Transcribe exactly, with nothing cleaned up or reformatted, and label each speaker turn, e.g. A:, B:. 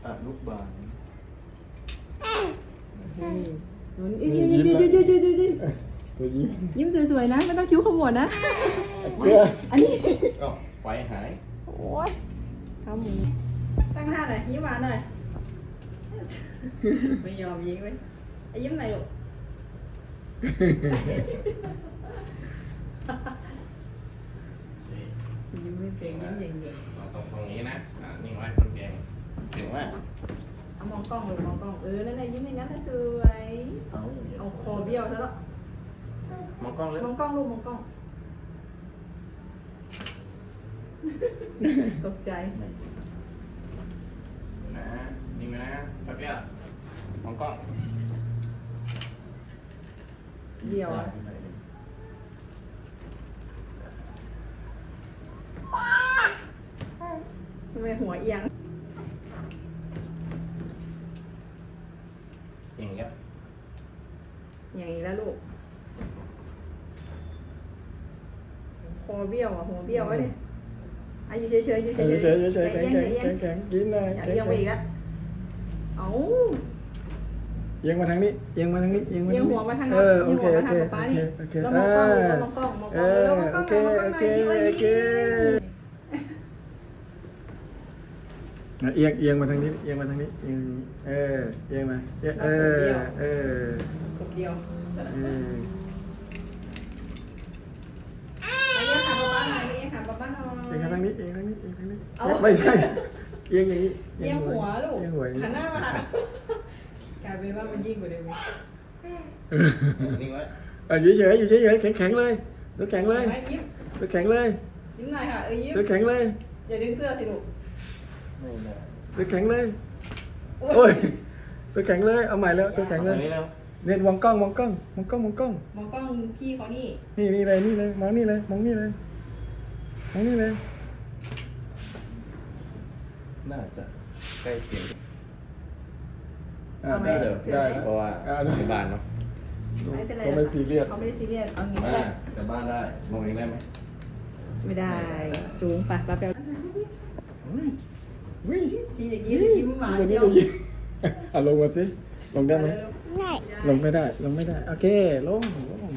A: อนุบาล
B: ยิ้มยิ้มยิ้มยิ้มยิ้มยิ้มยิ้มยิ้ม
C: ตัวยิ้ม
B: ยิ้มสวยๆนะไม่ต้องคิ้วขมวดนะ
C: เกลือ
B: อันนี้
A: ก็ไฟหาย
B: โอ้ยทำหมูตั้งท่าหน่อยยิ้มหวานหน่อยไม่ยอมยิ้มไว้ไอ้ยิ้มไหนลูกยิ้มไม่เป็นยิ้มอย่างเดียว
A: เราตรงตรงนี้นะอ่านิ่งไว้คนเก่งเก่งมาก
B: เอามองกล้องเลยมองกล้องเออนั่นแหละยิ้มอย่างนั้นนะสวย
A: เอา
B: เอาคอเบี้ยวซะแล้ว
A: มองกล้องเลย
B: มองกล้องลูกมองกล้องตกใจ
A: นะนิ่งไว้นะแป๊บเดียวมองกล้อง
B: เบี้ยวอะทำไมหัวเอียง
A: อย่างเงี้ย
B: อย่างนี้แล้วลูกคอเบี้ยวอ่ะหัวเบี้ยววะเนี่ยอ่ะอยู่เฉยๆอยู่เฉยๆ
C: เฉยๆเฉยๆแข็ง
B: ใจ
C: แข็ง
B: เย็น
C: แข็งแข็งกินหน่อย
B: อย่า
C: แข็ง
B: เอียงไป
C: แข็ง
B: อีกแล้วเอ้า
C: เอียงมาทางนี้เอียงมาทางนี้เอียงมา
B: เอียงหัวมาทาง
C: เอ
B: นั้น
C: อโอ
B: เอียง
C: เค
B: หัว
C: โอ
B: มาทา
C: เค
B: งป๊า
C: โอ
B: นี่
C: เคโอเค
B: แล้ว
C: เอ
B: มองกล้อง
C: อ
B: มองก
C: เอ
B: ล้องมองกล้อง
C: อ
B: แล้วมองกล้อง
C: โอ
B: หน่อยมองกล้องหน่อย
C: เคโอเค
B: ยิ้มไว้
C: โอเคเอียงเอียงมาทางนี้เอียงมาทางนี้เอียงเออเอียงมาเอียงเออเออ
B: กดเดียว
C: เออ
B: ไปเอียงขาป๊าหน่อยไปเอียงขาป๊าหน่อย
C: เอียงทางนี้เอียงทางนี้เอียงทางนี้
B: เอา
C: ไม่ใช่เอียงอย่างนี้
B: เอียงหัวลูก
C: เอียงหัวอย่าง
B: หัน
C: นี้
B: หน้ามาหากลายเป็นว่ามันยิ่งกว่าเดิมอีก
A: นิ่งไว้
C: เอออยู่เฉยอยู่เฉยแข็งแข็งเลยตัวแข็งเลย
B: ไหมยิ้ม
C: ตัวแข็งเลย
B: ยิ้มหน่อยค่ะเออยิ้ม
C: ตัวแข็งเลย
B: อย่าดึงเสื้อสิลูก
A: ไม่ได้
C: ตัวแข็งเลยโอ้ยตัวแข็งเลยเอาใหม่แล้วตัวแข็งเลย
A: ตรงนี้แล้ว
C: เนี่ยมองกล้องมองกล้องมองกล้องมองกล้อง
B: มองกล้องพี่เขานี่
C: นี่นี่เลยนี่เลยมองนี่เลยมองนี่เลยมองนี่เลย
A: น่าจะใกล้เคียง
C: อ่า
B: เอาไหม
C: ได้
A: เดี๋ยว
C: ได้
A: เพราะว่า
C: อ่าได้
A: ที่บ้านเนาะ
B: ไม่เป็นไร
C: เขาไม่ซีเรียส
B: เขาไม่ได้ซีเรียสเอางี้ก็
A: อ่า
B: ได้
A: แต่บ้านได้มองเองได้ไหม
B: ไม่ได้สูงไปไปไป
C: วิ่ง
B: ทีอย่างนี้เลยยิ้มหวาน
C: วัน
B: เจี
C: นี้
B: ยว
C: เรายิงอ่ะลงมาสิลงได้ไหม
B: เร็วๆ
C: ลงไม่ได้ลงไม่ได้โอเคลงลง